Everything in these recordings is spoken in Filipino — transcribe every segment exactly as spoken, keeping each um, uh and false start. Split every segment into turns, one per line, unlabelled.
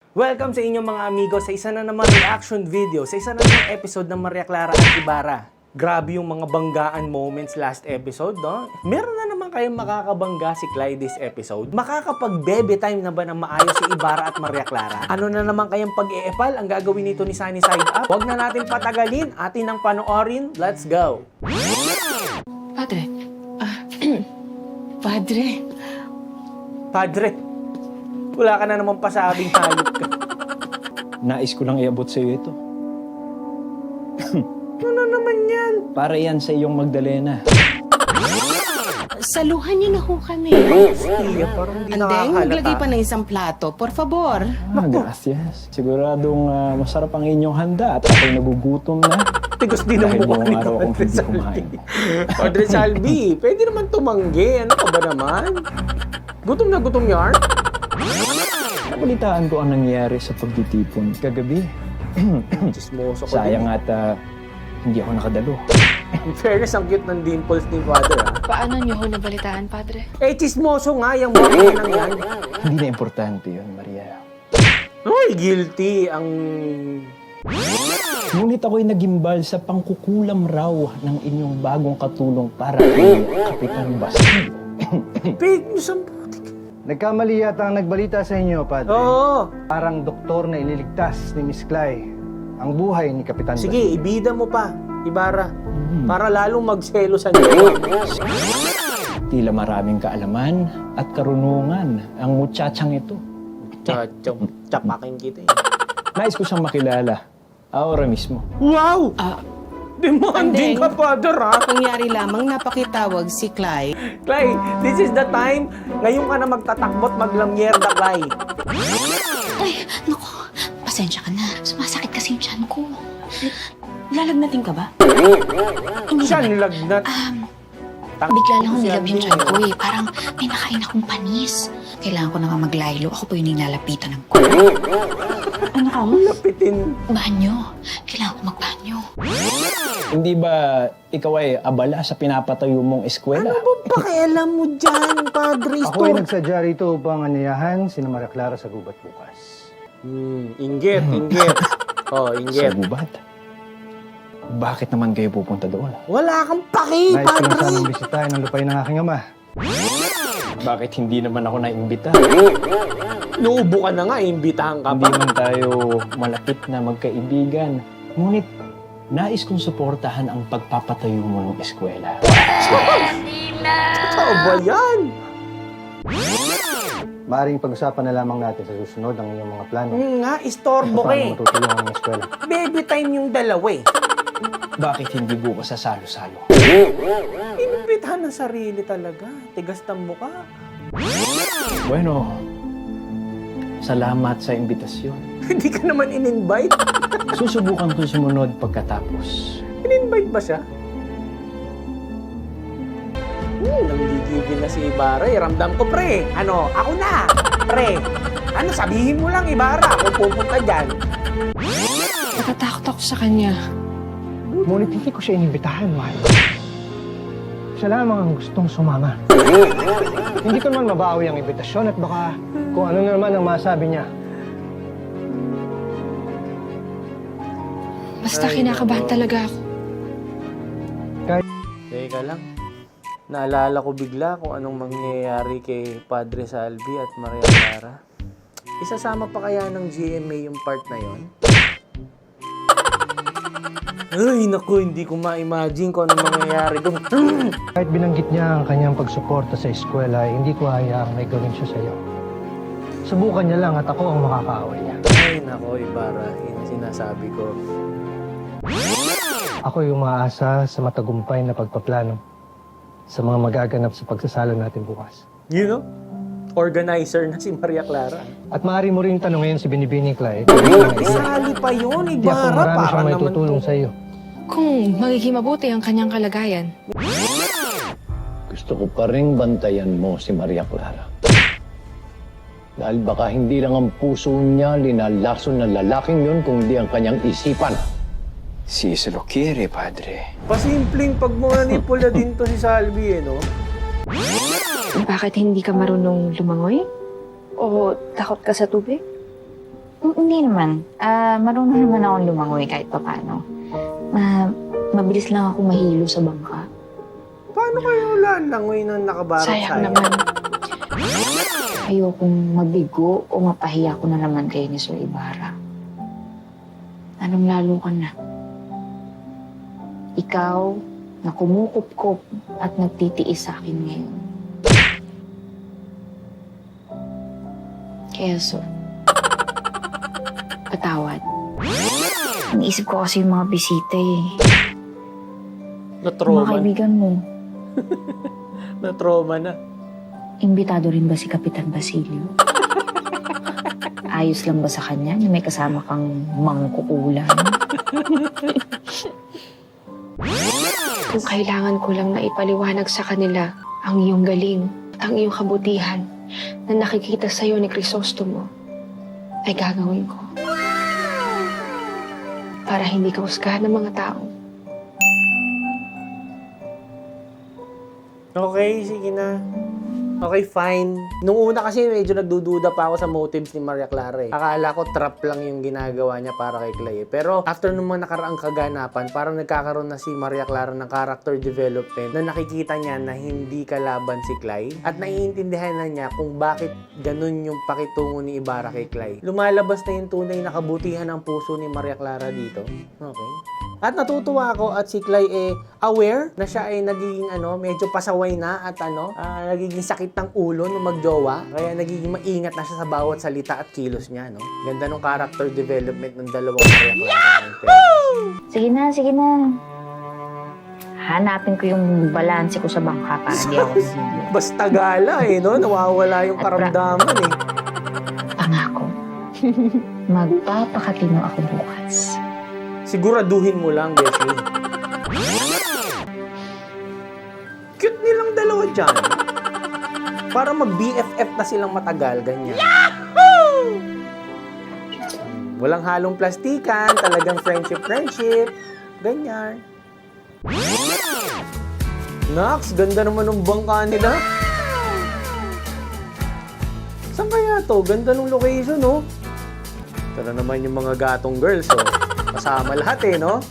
Welcome sa inyong mga amigo sa isa na naman reaction video, sa isa na naman episode ng Maria Clara at Ibarra. Grabe yung mga banggaan moments last episode, no? Meron na naman kayong makakabangga si Clyde this episode. Makakapag-bebe time na ba ng maayos si Ibarra at Maria Clara? Ano na naman kayang pag-iepal ang gagawin nito ni Sunny Side Up? Huwag na natin patagalin, atin ang panoorin, let's go!
Padre. Ah, Padre.
Padre, wala ka na naman pasabing hayop ka.
Nais ko lang iabot sa iyo ito.
Ano naman yan?
Para yan sa iyong Magdalena.
Saluhan niyo na ho kami.
Iya, parang hindi
Andeng,
nakakalata.
maglagay pa ng isang plato. Por favor.
Ah, gracias. Siguradong ah, masarap ang inyong handa at ako'y nagugutom na.
Tigos din ang
Dahil
mukha
buong
ni
araw akong
Padre
hindi
Salvi.
kumain.
Padre Salvi, pwede naman tumanggi. Ano ka ba naman? Gutom na gutom yarn?
Nabalitaan ko ang nangyayari sa pagtitipon kagabi.
Chismoso ko
Sayang
din.
at ah, hindi ako nakadalo.
In fairness, ang cute ng dimples ni Father, ha?
Paano niyo ho nabalitaan, Padre?
Eh, chismoso nga yung mukha ng yan.
Hindi na importante yun, Maria.
Uy, guilty ang...
Ngunit ako'y nagimbal sa pangkukulam raw ng inyong bagong katulong para kay Kapitan Bastard.
Fake news ang putik.
Nagkamali yata ang nagbalita sa inyo, Padre.
Oo.
Parang doktor na iniligtas ni Miss Clay ang buhay ni Kapitan
Sige,
Bastard.
ibida mo pa, Ibarra.
Hmm.
Para lalong magselo sa niyo.
Tila maraming kaalaman at karunungan ang muchachang ito.
Chachong, chapakin kita eh.
Nais ko siyang makilala. Ahora mismo.
Wow!
Ah,
Demanding
Andeng.
ka, Father, ha?
pangyari lamang napakitawag si Clyde.
Clay, this is the time. Ngayon ka na magtatakbot, maglamyerda, Clay.
Ay, naku, pasensya ka na. Sumasakit kasi yung tiyan ko. Lalagnatin ka ba? Hindi
Siya
naman.
nilagnat.
Um,
Tang-
bigla lang akong
si
nilab yung
Andeng.
tiyan ko eh. Parang may nakain akong panis. Kailangan ko na nga maglaylo. Ako po yung nilalapitan ng ko. Ano ka mo?
Lapitin.
Banyo. Kailangan ko magbanyo.
Hindi ba ikaw ay abala sa pinapatayo mong eskwela?
Ano bang pakialam mo dyan, Padre?
Ako ay nagsadya rito upang anyayahan si Maria Clara sa gubat bukas.
Hmm, inggit, inggit. Oh,
Sa
inggit.
gubat? Bakit naman kayo pupunta doon?
Wala kang paki,
Nais ko lang
Padre.
sanang bisitahin ang lupay ng aking ama.
Bakit hindi naman ako naimbita?
Nuubo ka na nga, imbitahan ka
Hindi
pa.
man tayo malapit na magkaibigan. Ngunit nais kong suportahan ang pagpapatayo mo ng eskwela.
Totoo ba yan?
Maaring pag-usapan na lamang natin sa susunod ang iyong mga plano.
Hmm, nga, istorbo ka
Paano
eh.
matutulungan ang eskwela?
Baby time yung dalawa eh.
Bakit hindi bukas sa salo-salo?
Inimbitahan ng sarili talaga. Tigas ng mukha.
Bueno, salamat sa imbitasyon.
Hindi ka naman in-invite.
Susubukan ko sumunod pagkatapos.
In-invite ba siya? Hmm, nanggigigil na si Ibarra eh. Ramdam ko, pre. Ano, ako na. Pre. Ano, sabihin mo lang, Ibarra. Ako pupunta dyan.
Natatakot ako sa kanya.
Ngunit hindi ko siya inibitahan, mahal. Siya lamang ang gustong sumama. Hindi ko naman mabawi ang imbitasyon at baka kung ano na naman ang masabi niya.
Basta kinakabahan talaga ako.
Teka lang. Naalala ko bigla kung anong mangyayari kay Padre Salvi at Maria Clara. Isasama pa kaya ng G M A yung part na yon? Ay, naku, hindi ko ma-imagine kung anong mangyayari doon.
Kahit binanggit niya ang kanyang pagsuporta sa eskwela, eh, hindi ko hayaang may gawin siya sa'yo. Subukan niya lang at ako ang makakaaway niya.
Ay, naku, Ibarra, yun ang sinasabi ko.
Ako yung umaasa sa matagumpay na pagpaplano sa mga magaganap sa pagsasalo natin bukas.
You know? Organizer na si Maria Clara.
At maaari mo rin tanungin si Binibining Clay.
Isali pa yun,
Hindi ako
Ibarra.
marami
Para
siyang may
naman
tutulong
to.
sa iyo.
Kung magiging mabuti ang kanyang kalagayan.
Gusto ko pa rin bantayan mo si Maria Clara. Dahil baka hindi lang ang puso niya linalason ng lalaking yun, kundi ang kanyang isipan.
Si se lo quiere, padre.
Pasimpleng pagmanipula din to si Salvi, eh, no?
Bakit hindi ka marunong lumangoy? O takot ka sa tubig?
Mm, Hindi naman. Ah, marunong naman akong lumangoy kahit papaano. Ma mabilis lang ako mahilo sa bangka.
Paano kayo lalangoy nang nakabarot
Sayang
sa'yo?
naman.
Ayokong mabigo o mapahiya ko na naman kay ni Sir Ibarra. Anong lalo ka na? Ikaw na kumukup-kup at nagtitiis sa akin ngayon. Kaya so, patawad. Naisip ko kasi yung mga bisita eh. Mga
Na-trauma,
kaibigan mo,
na-trauma na.
imbitado rin ba si Kapitan Basilio? Ayos lang ba sa kanya na may kasama kang mangkukulam?
Kung kailangan ko lang na ipaliwanag sa kanila ang iyong galing, ang iyong kabutihan na nakikita sa iyo ni Crisostomo, ay gagawin ko. Para hindi ka husgahan ng mga tao.
Okay, sige na. Okay, fine. Nung una kasi medyo nagdududa pa ako sa motives ni Maria Clara eh. Akala ko trap lang yung ginagawa niya para kay Clay eh. Pero after nung mga nakaraang kaganapan, parang nagkakaroon na si Maria Clara ng character development na nakikita niya na hindi kalaban si Clay at naiintindihan na niya kung bakit ganun yung pakitungo ni Ibarra kay Clay. Lumalabas na yung tunay na kabutihan ng puso ni Maria Clara dito. Okay. At natutuwa ako at si Clay eh aware na siya ay nagiging ano, medyo pasaway na at ano, ah, nagiging sakit ng ulo nung magjowa. Kaya nagiging maingat na siya sa bawat salita at kilos niya, no? Ganda ng character development ng dalawang Maria Clara.
Sige na, sige na. Hanapin ko yung balanse ko sa bangka para di ako mahilo.
Basta gala eh, no? Nawawala yung karamdaman eh.
Pangako. Magpapakatino ako bukas.
Siguraduhin mo lang, Beshi. Cute nilang dalawa dyan. Para mag-B F F na silang matagal, ganyan. Yahoo! Walang halong plastikan, talagang friendship-friendship. Ganyan. Nox, ganda naman ng bangka nila. Saan kaya to? Ganda ng location, no? Ito na naman yung mga gatong girls, oh. Kasama lahat eh, no?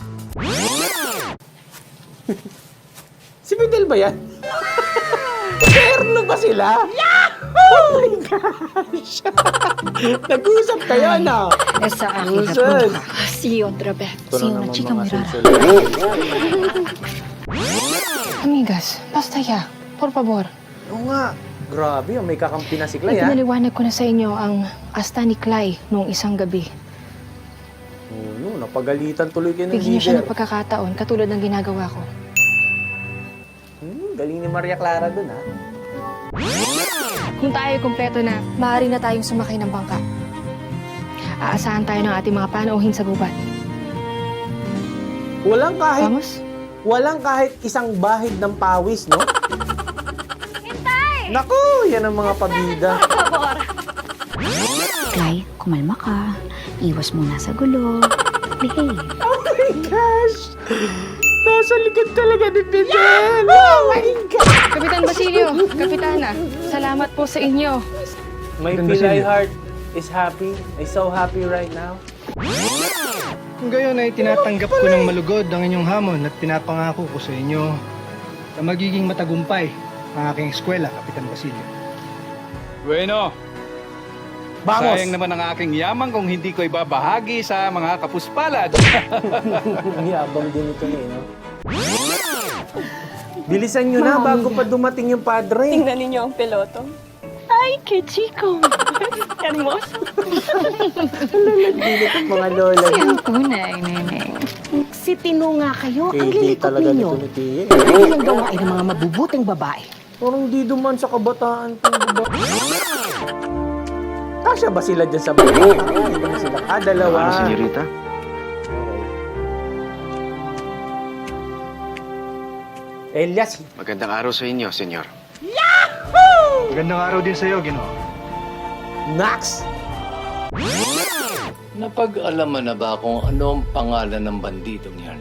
Si Fidel ba yan? Terno ba sila? Yahoo! Oh my gosh! Nag-usap kayo, no?
Esa akin na
Susan!
See you otra vez.
Ito
Sino
na
na,
naman
chika,
mga
Mirara?
susunod.
Amigas, basta ya. Por favor.
Oo nga. Grabe, oh, may kakampi na si Clay, ha?
Ipinaliwanag ko na sa inyo ang asta ni Clay noong isang gabi.
Oo, no, napagalitan tuloy kayo ng
Bigyan niyo siya
leader.
ng pagkakataon katulad ng ginagawa ko.
Hmm, galing ni Maria Clara dun, ha?
Kung tayo kumpleto na, maaari na tayong sumakay ng bangka. Aasahan tayo ng ating mga panauhin sa gubat.
Walang kahit,
Vamos?
walang kahit isang bahid ng pawis, no? Hintay! Naku, yan ang mga pabida.
Clay, kumalma ka. Iwas muna sa gulo. Behave.
Oh my gosh! Nasa likod talaga ni Fidel! Oh my God!
Kapitan Basilio, Kapitana, salamat po sa inyo.
My
Ganda
Pilay
sa'yo.
heart is happy. I'm so happy right now.
Kung gayon ay tinatanggap ko ng malugod ang inyong hamon at pinapangako ko sa inyo na magiging matagumpay ang aking eskwela, Kapitan Basilio.
Bueno,
Vamos!
sayang naman ang aking yaman kung hindi ko ibabahagi sa mga kapuspalad.
Yabang din ito na eh, no? Bilisan nyo na bago pa dumating yung padre.
Tingnan ninyo ang piloto. Ay, que chico! Hermoso.
Bilit ang mga lola.
Ang tunay, neneng.
Si Tino nga kayo,
K D talaga nito ni Tia.
Hindi lang gawain ng mga mabubuting babae.
Parang di duman sa kabataan itong baba. Kasya ba sila dyan sa baba? Hindi naman sila. Ah, dalawa.
Ano, senyorita?
Okay. Elias.
Magandang araw sa inyo, senyor.
Magandang araw din sa iyo, Ginoo.
Nax.
Napag-alaman na ba kung ano ang pangalan ng banditong yan?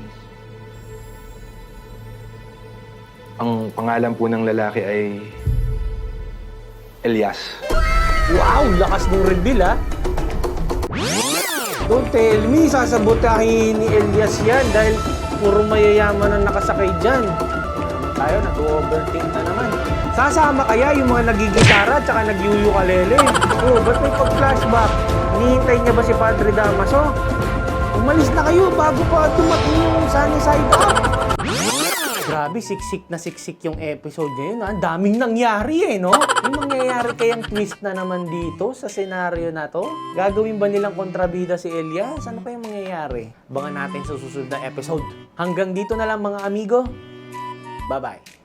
Ang pangalan po ng lalaki ay Elias.
Wow, lakas ng reveal, ha? Don't tell me, sasabotahin ni Elias yan dahil puro mayayaman ang nakasakay dyan. Tayo, nag-overthink na naman. Sasama kaya yung mga nagigitara at saka nagyuyukalele? Oh, ba't may pag-flashback? Hinihintay niya ba si Padre Damaso? Umalis na kayo bago pa dumating yung sunny side up. Grabe, siksik na siksik yung episode ngayon. Ang daming nangyari eh, no? Yung mangyayari kayang twist na naman dito sa senaryo na to? Gagawin ba nilang kontrabida si Elias? Ano kayang mangyayari? Abangan natin sa susunod na episode. Hanggang dito na lang mga amigo. Bye-bye.